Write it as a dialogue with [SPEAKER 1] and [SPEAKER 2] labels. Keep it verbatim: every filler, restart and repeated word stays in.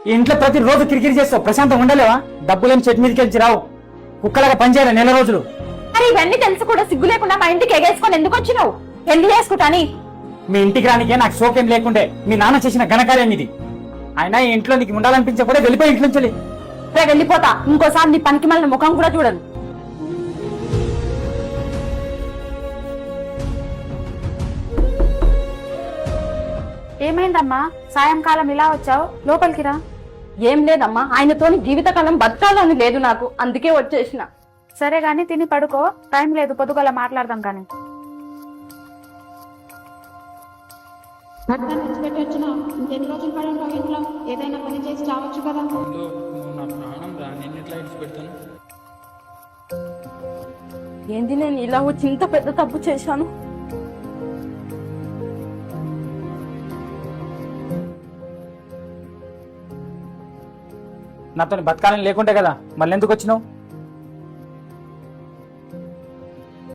[SPEAKER 1] ఈ ఇంట్లో ప్రతి రోజు కిరికిరి చేస్తావు, ప్రశాంతం ఉండలేవా? డబ్బులేని చెట్టు మీదకి వెళ్ళి రావు, కుక్కలాగా పనిచేయాలి నెల రోజులు.
[SPEAKER 2] మరి ఇవన్నీ తెలుసు కూడా సిగ్గు లేకుండా మా ఇంటికి ఎగేసుకొని ఎందుకు వచ్చినావు? పెళ్లి చేసుకుంటాని
[SPEAKER 1] మీ ఇంటికి రానికే నాకు సోకేం లేకుండే మీ నాన్న చేసిన ఘనకార్యం ఇది. ఆయన ఈ ఇంట్లో నీకు ఉండాలనిపించే కూడా వెళ్ళిపోయి ఇంట్లో నుంచి.
[SPEAKER 2] వెళ్ళిపోతా, ఇంకోసారి నీ పనికి మళ్ళీ ముఖం కూడా చూడను. ఏమైందమ్మా సాయంకాలం ఇలా వచ్చావు? లోపలికి రా. ఏం లేదమ్మా, ఆయనతోని జీవితకాలం బతకాలని లేదు నాకు, అందుకే వచ్చేసిన.
[SPEAKER 3] సరే గాని తిని పడుకో, టైం లేదు, పొద్దుగల మాట్లాడదాం కానీ.
[SPEAKER 4] భర్తను విడిచిపెట్టొచ్చిన ఇంకెన్ని రోజులు పడి ఉంటావు ఇంట్లో? ఏదైనా పని చేసి రావచ్చు కదా.
[SPEAKER 5] నా ప్రాణం రా, నేను ఎట్లా విడిచిపెడతాను?
[SPEAKER 2] ఏంది నేను ఇలా వచ్చి ఇంత పెద్ద తప్పు చేశాను?
[SPEAKER 1] నాతో బతకాలని లేకుంటే కదా మళ్ళీ ఎందుకు వచ్చినావు?